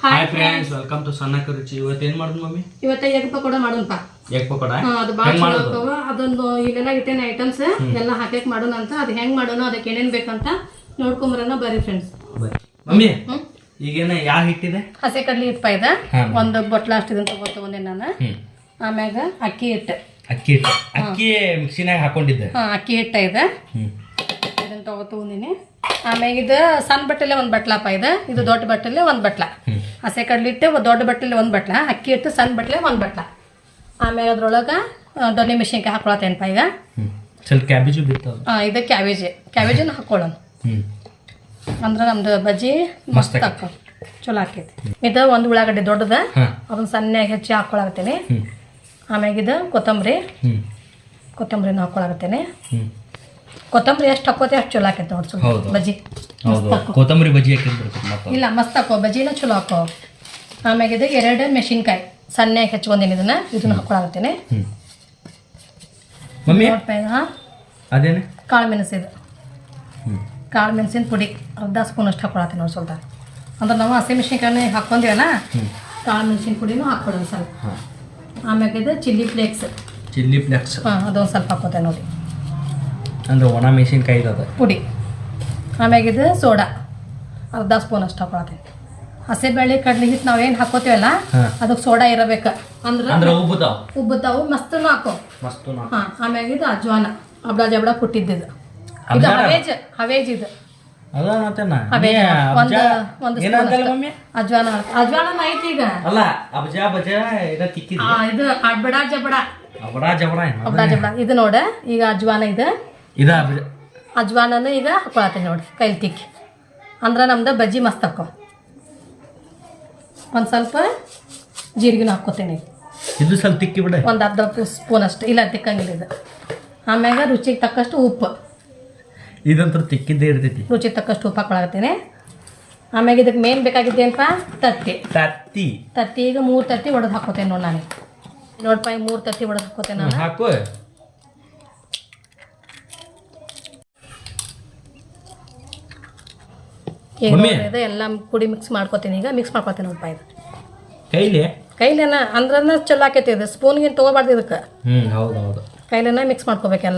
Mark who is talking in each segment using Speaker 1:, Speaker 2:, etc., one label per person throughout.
Speaker 1: Hi friends, welcome to ಸಣ್ಣಕ ರುಚಿ. ಇವತ್ತು ಏನು ಮಾಡೋದು ಮಮ್ಮಿ?
Speaker 2: ಇವತ್ತು ಎಗ್ ಪಕೋಡ ಮಾಡೋಣಪ್ಪ.
Speaker 1: ಎಗ್ ಪಕೋಡ
Speaker 2: ಅದು ಭಾಳ ಚಲೋ ಆಗ್ತಾವ. ಅದೊಂದು ಇಲ್ಲೆಲ್ಲ ಇಟ್ಟೇನೆ ಐಟಮ್ಸ್ ಎಲ್ಲ ಹಾಕಕ್ಕೆ ಮಾಡೋಣ ಅಂತ. ಅದು ಹೆಂಗ್ ಮಾಡೋಣ, ಅದಕ್ಕೆ ಏನೇನ್ ಬೇಕಂತ ನೋಡ್ಕೊಂಬರೋಣ ಬರ್ರಿ ಫ್ರೆಂಡ್ಸ್.
Speaker 1: ಮಮ್ಮಿ ಈಗೇನ ಯಾವ ಹಿಟ್ಟಿದೆ?
Speaker 2: ಹಸಿ ಕಡ್ಲಿ ಹಿಟ್ಟು ಇದೆ. ಒಂದು ಬೊಟ್ಲ ಅಷ್ಟಿದಂತ ತಗೊಂಡೆ ನಾನು. ಆಮ್ಯಾಗ ಅಕ್ಕಿ ಹಿಟ್ಟು.
Speaker 1: ಅಕ್ಕಿ ಮಿಕ್ಸಿನಾಗ ಹಾಕೊಂಡಿದ್ದೆ.
Speaker 2: ಅಕ್ಕಿ ಹಿಟ್ಟು ಇದೆ, ಇದನ್ನ ತಗೊಂಡಿನಿ. ಆಮ್ಯಾಗ ಇದು ಸಣ್ಣ ಬಟ್ಟಲೆ ಒಂದು ಬಟ್ಲಪ್ಪ ಇದೆ, ಇದು ದೊಡ್ಡ ಬಟ್ಟಲೆ ಒಂದು ಬಟ್ಲ. ಹಸಿ ಕಡ್ಲಿ ಹಿಟ್ಟು ದೊಡ್ಡ ಬಟ್ಟಲೆ ಒಂದು ಬಟ್ಲ, ಅಕ್ಕಿ ಹಿಟ್ಟು ಸಣ್ಣ ಬಟ್ಲೆ ಒಂದು ಬಟ್ಲ. ಆಮ್ಯಾಗ ಅದ್ರೊಳಗೆ ದೊಣ್ಣೆ ಮೆಣಸಿನ್ಕಾಯಿ ಹಾಕೊಳತ್ತೇನಪ್ಪ ಈಗ.
Speaker 1: ಸ್ವಲ್ಪ ಕ್ಯಾಬೇಜು ಬಿತ್ತು.
Speaker 2: ಇದು ಕ್ಯಾಬೇಜನ್ನ ಹಾಕೊಳ್ಳೋಣ ಅಂದ್ರೆ ನಮ್ದು ಬಜ್ಜಿ ಮಸ್ತ್ ಹಾಕೋ ಚಲೋ ಆಕೈತಿ. ಇದು ಒಂದು ಉಳ್ಳಾಗಡ್ಡೆ ದೊಡ್ಡದ, ಅದನ್ನ ಸಣ್ಣಗೆ ಹೆಚ್ಚಿ ಹಾಕೊಳಕತ್ತೇನೆ. ಆಮ್ಯಾಗ ಇದು ಕೊತ್ತಂಬರಿನ ಹಾಕೊಳಕತ್ತೇನೆ. ಕೊತ್ತಂಬರಿ ಎಷ್ಟು ಹಾಕೋತೆ ಅಷ್ಟು ಚಲೋ ಆಕೈತೆ ನೋಡಿ. ಸ್ವಲ್ಪ ಬಜ್ಜಿ
Speaker 1: ಕೊತ್ತಂಬರಿ ಬಜ್ಜಿ
Speaker 2: ಇಲ್ಲ ಮಸ್ತ್ ಹಾಕೋ, ಬಜ್ಜಿನ ಚಲೋ ಹಾಕೋ. ಆಮ್ಯಾಗ ಇದು 2 ಮೆಣಸಿನ್ಕಾಯಿ ಸಣ್ಣಗೆ ಹೆಚ್ಚಿಕೊಂಡಿನಿ, ಇದನ್ನ ಹಾಕೊಳಕತ್ತೇನೆ.
Speaker 1: ಅದೇನೆ
Speaker 2: ಕಾಳು ಮೆಣಸು, ಇದು ಕಾಳು ಮೆಣಸಿನ ಪುಡಿ ಅರ್ಧ ಸ್ಪೂನ್ ಅಷ್ಟು ಹಾಕೊಳತ್ತೀನಿ ನೋಡಿ. ಸ್ವಲ್ಪ ಅಂದ್ರೆ ನಾವು ಹಸಿ ಮೆಣಸಿನ್ಕಾಯಿ ಹಾಕ್ಕೊಂಡಿವಲ್ಲ, ಕಾಳು ಮೆಣಸಿನ ಪುಡಿನೂ ಹಾಕ್ಕೊಡೋಣ ಸ್ವಲ್ಪ. ಆಮ್ಯಾಗ ಇದು ಚಿಲ್ಲಿ ಫ್ಲೇಕ್ಸ್ ಅದೊಂದು ಸ್ವಲ್ಪ ಹಾಕೋತೆ ನೋಡಿ,
Speaker 1: ಅಂದ್ರೆ ಒಣ ಮೆಣಸಿನ್ಕಾಯಿ
Speaker 2: ಪುಡಿ. ಆಮ್ಯಾಗ ಇದು ಸೋಡಾ ಅರ್ಧ ಸ್ಪೂನ್ ಅಷ್ಟು ಹಾಕೊಳತ್ತೀನಿ. ಹಸಿಬೇಳೆ ಕಡ್ಲಿ ಹಿಟ್ಟು ನಾವೇನು ಹಾಕೋತೀವಲ್ಲ ಅದಕ್ಕೆ ಸೋಡಾ ಇರಬೇಕು, ಅಂದ್ರೆ ಉಬ್ಬುತ್ತಾವು. ಮಸ್ತನು ಹಾಕೋ. ಆಮ್ಯಾಗ ಇದು ಅಜ್ವಾನ ಅಬ್ಡ ಜಬಡ ಪುಟ್ಟಿದ್ದು, ಇದು ಹವೇಜ್ ಇದು ಅಜ್ವಾನ ಐತಿ ಈಗ. ಇದು ಅಬ್ಡ ಜಬಡ ಇದು ನೋಡ. ಈಗ ಅಜ್ವಾನ ಇದು ಅಜ್ವಾನನು ಈಗ ಹಾಕೊಳತ್ತೀನಿ ನೋಡಿ ಕೈಲಿ ತಿಕ್ಕಿ, ಅಂದ್ರೆ ನಮ್ದು ಬಜ್ಜಿ ಮಸ್ತ್ ಹಾಕೋ. ಒಂದು ಸ್ವಲ್ಪ ಜೀರಿಗೆನೂ ಹಾಕ್ಕೋತೇನೆ,
Speaker 1: ಇದು ಸ್ವಲ್ಪ ತಿಕ್ಕಿ ಬಿಡ,
Speaker 2: ಒಂದು ಅರ್ಧ ಸ್ಪೂನ್ ಅಷ್ಟು. ಇಲ್ಲ ತಿಕ್ಕಂಗಿಲ್ಲ ಇದು. ಆಮ್ಯಾಗ ರುಚಿಗೆ ತಕ್ಕಷ್ಟು ಉಪ್ಪು,
Speaker 1: ಇದಂತೂ ತಿಕ್ಕಿದ್ದೇ ಇರ್ತೈತಿ.
Speaker 2: ರುಚಿಗೆ ತಕ್ಕಷ್ಟು ಉಪ್ಪು ಹಾಕೊಳಕತ್ತೀನಿ. ಆಮ್ಯಾಗ ಇದಕ್ಕೆ ಮೇನ್ ಬೇಕಾಗಿದ್ದೇನಪ್ಪ ತತ್ತಿ. ಈಗ 3 ತತ್ತಿ ಒಡೆದು ಹಾಕೋತೇನೆ ನೋಡಿ ನಾನು. ನೋಡಪ್ಪ ಈಗ 3 ತತ್ತಿ ಒಡೆದು ಹಾಕೋತೇನೆ ನಾನು.
Speaker 1: ಹಾಕು.
Speaker 2: ಈಗ ಎಲ್ಲ ಕುಡಿ ಮಿಕ್ಸ್ ಮಾಡ್ಕೋತೀನಿ. ಈಗ ಮಿಕ್ಸ್ ಮಾಡ್ಕೋತೇನೆ ನೋಡಪ್ಪ. ಇದು ಕೈಲೇನ ಅಂದ್ರನ್ನ ಚಲೋ ಆಕೈತಿ. ಇದು ಸ್ಪೂನ್ಗಿನ್ ತೊಗೋಬಾರ್ದು ಇದಕ್ಕೆ.
Speaker 1: ಹೌದು
Speaker 2: ಕೈಲೇನ ಮಿಕ್ಸ್ ಮಾಡ್ಕೋಬೇಕೆಲ್ಲ.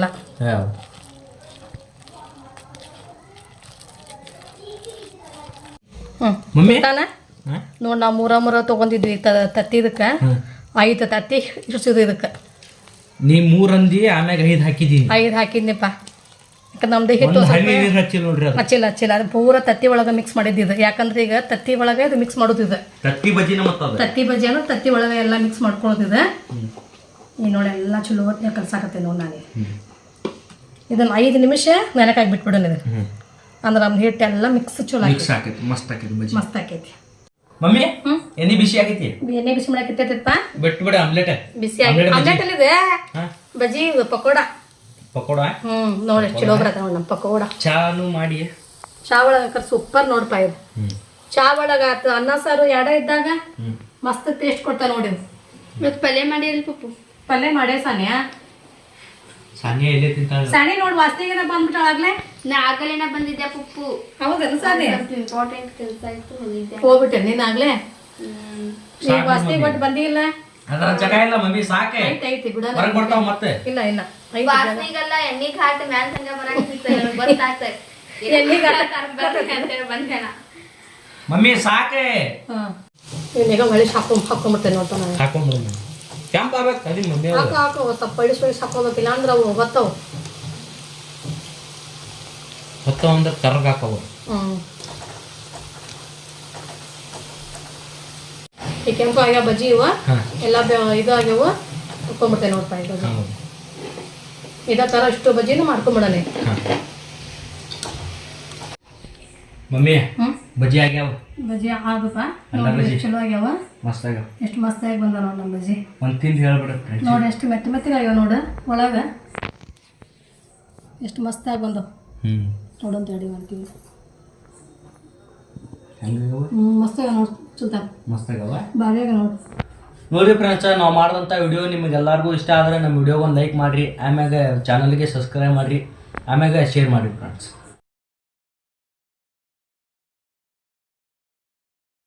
Speaker 2: ನೋಡಿ ನಾವು 3 ತೊಗೊಂಡಿದ್ವಿ ತತ್ತಿ. ಇದಕ್ಕೆ 5 ತತ್ತಿ ಇಡ್ಸಿದ್ವಿ. ಇದಕ್ಕೆ
Speaker 1: ನೀ 3 ಅಂದಿ, ಆಮ್ಯಾಗ 5 ಹಾಕಿದ್ದೀನಿ.
Speaker 2: 5 ಹಾಕಿದ್ನಿಪ್ಪ. ಯಾಕಂದ್ರೆ ನಮ್ದು ಹಿಟ್ಟು ಹಚ್ಚಿಲ್ಲ ಅದು ಪೂರ ತತ್ತಿ ಒಳಗೆ ಮಿಕ್ಸ್ ಮಾಡಿದ್ದು. ಯಾಕಂದ್ರೆ ಈಗ ತತ್ತಿ ಒಳಗೆ ಇದು ಮಿಕ್ಸ್ ಮಾಡೋದಿದೆ. ತತ್ತಿ ಬಜ್ಜಿಯನ್ನು ತತ್ತಿ ಒಳಗೆ ಎಲ್ಲ ಮಿಕ್ಸ್ ಮಾಡ್ಕೊಳ್ಳೋದಿದೆ. ಈ ನೋಡಿ ಎಲ್ಲ ಚಲೋ ಹೊತ್ತಿನ ಕಲ್ಸಾಕತ್ತೆ ನೋಡಿ ನಾನು. ಇದನ್ನ 5 ನಿಮಿಷ ನೆನಕಾಗಿ ಬಿಟ್ಬಿಡೋಣ. ಇದು ಅಂದ್ರೆ ನಮ್ಮ ಹಿಟ್ಟೆಲ್ಲ ಮಿಕ್ಸ್ ಚಲೋ
Speaker 1: ಆಕೈತಿ.
Speaker 2: ಮಸ್ತ್ ಆಕೈತಿ.
Speaker 1: ಮಮ್ಮಿ ಎಣ್ಣೆ ಬಿಸಿ ಆಗೈತಿ.
Speaker 2: ಎಣ್ಣೆ ಬಿಸಿ ಮಾಡಾಕತ್ತೈತಪ್ಪ.
Speaker 1: ಬಿಟ್ಬಿಡ ಆಮ್ಲೆಟ್
Speaker 2: ಬಿಸಿ ಆಮ್ಲೆಟ್ ಅಲ್ಲಿದೆ. ಬಜ್ಜಿ ಪಕೋಡ ನೋಡಿ ಎಷ್ಟು ಚಲೋ ಬರತ್ತ ನೋಡಿ ನಮ್ಮ ಪಕೋಡ.
Speaker 1: ಚಾನು ಮಾಡಿ
Speaker 2: ಚಾ ಒಳಗ ಸೂಪರ್ ನೋಡ್ಪ. ಇದು ಚಾ ಒಳಗ ಆತು ಅನ್ನ ಸಾರು ಎಡ ಇದ್ದಾಗ ಮಸ್ತ್ ಟೇಸ್ಟ್ ಕೊಡ್ತಾ ನೋಡಿ.
Speaker 3: ಇವತ್ತು ಪಲ್ಯ ಮಾಡಿ ಪಪ್ಪು
Speaker 2: ಪಲ್ಯ ಮಾಡೇ ಸಾನಿ ನೋಡಿ ವಾಸ್ತಿಗೆನ ಬಂದ್ಬಿಟ್ಟಾಗ್ಲೇ.
Speaker 3: ನಾ ಆಗಲೇನ ಬಂದಿದ್ದೆ ಪಪ್ಪು.
Speaker 2: ಹೌದೇನು ಸಾನಿ?
Speaker 3: ಇಂಪಾರ್ಟೆಂಟ್ ಕೆಲಸ ಇತ್ತು ಹೋಗಿದ್ದೆ.
Speaker 2: ಹೋಗ್ಬಿಟ್ಟೆ ನೀನಾಗ್ಲೇ. ಈಗ ವಾಸ್ತಿಗೆ ಒಟ್ಟು ಬಂದಿಲ್ಲ.
Speaker 1: ಅದರ ಜಾಗ ಇಲ್ಲ ಮಮ್ಮಿ, ಸಾಕೆ
Speaker 2: ಐತಿ ಬಿಡ.
Speaker 1: ಹೊರಗೆ ಬರ್ತಾವ ಮತ್ತೆ.
Speaker 2: ಇಲ್ಲ
Speaker 3: ವಾಸ್ತಿಗೆಲ್ಲ ಎಣ್ಣೆ ಘಾಟ್ ಮ್ಯಾಲ್ ಸಂಗ ಬರಾಕಿತ್ತು ಗೊತ್ತಾಗ್ತದೆ.
Speaker 2: ಎಣ್ಣೆ ಘಾಟ್
Speaker 3: ಅಂತ ಬಂದೇನ
Speaker 1: ಮಮ್ಮಿ ಸಾಕೆ.
Speaker 2: ಈಗ ಹೊಳಿ ಹಾಕೊಂಡ್ಬಿಡ್ತೇನೆ ನೋಡ್ತಾ ನಾನು.
Speaker 1: ಹಾಕೊಂಡ್ಬಿಡು ಕೆಂಪ್ ಆಗ್ಬೇಕು ಅದಿ ಮಮ್ಮಿ.
Speaker 2: ಹಾಕು ಸ್ವಲ್ಪ ಹೊಳಿಸಿ ಹಾಕೋಬೇಕಿಲ್ಲ ಅಂದ್ರೆ ಅವು ಹೊತ್ತವು
Speaker 1: ಅಂದ್ರೆ ಕರ್ರಗೆ ಹಾಕವು.
Speaker 2: ಈ ಕೆಂಪು ಆಗ್ಯಾವ ಬಜ್ಜಿ ಇವ ಎಲ್ಲ ಇದು ಆಗ್ಯಾವ. ಹಾಕೊಂಡ್ಬಿಡ್ತೇನೆ ನೋಡ್ತಾ. ಇದೇ ಥರ ಇಷ್ಟು ಬಜ್ಜಿನೂ ಮಾಡ್ಕೊಂಬಿಡನೆ
Speaker 1: ಮಮ್ಮಿ. ಬಜ್ಜಿ ಆಗ್ಯಾವ.
Speaker 2: ಬಜ್ಜಿ ಆಗಪ್ಪ ಚಲೋ ಆಗ್ಯಾವ.
Speaker 1: ಮಸ್ತ್ ಆಗ್ಯಾವ.
Speaker 2: ಎಷ್ಟು ಮಸ್ತಾಗಿ ಬಂದ ನೋಡಿ ನಮ್ಮ ಬಜ್ಜಿ.
Speaker 1: ಒಂದು ತಿಂದು ಹೇಳ್ಬಿಡ
Speaker 2: ನೋಡಿ ಎಷ್ಟು ಮೆತ್ತಗೆ ಆಗ್ಯಾವ ನೋಡು. ಒಳಗೆ ಎಷ್ಟು ಮಸ್ತಾಗಿ ಬಂದವು ನೋಡಂತ ಹೇಳಿ ಮಾಡ್ತೀವಿ. ಮಸ್ತ್ ಆಗ್ಯಾವ ನೋಡಿ. ಸುಲ್ತಾನ್
Speaker 1: ಮಸ್ತ್ ಆಗ್ಯಾವ,
Speaker 2: ಭಾರಿ ಆಗ್ಯಾವ
Speaker 1: ನೋಡಿ ಫ್ರೆಂಡ್ಸ್. ನಾವು ಮಾಡಿದಂಥ ವಿಡಿಯೋ ನಿಮಗೆಲ್ಲರಿಗೂ ಇಷ್ಟ ಆದರೆ ನಮ್ಮ ವಿಡಿಯೋಗೊಂದು ಲೈಕ್ ಮಾಡಿರಿ, ಆಮ್ಯಾಗ ಚಾನಲ್ಗೆ ಸಬ್ಸ್ಕ್ರೈಬ್ ಮಾಡಿರಿ, ಆಮ್ಯಾಗ ಶೇರ್ ಮಾಡಿರಿ ಫ್ರೆಂಡ್ಸ್.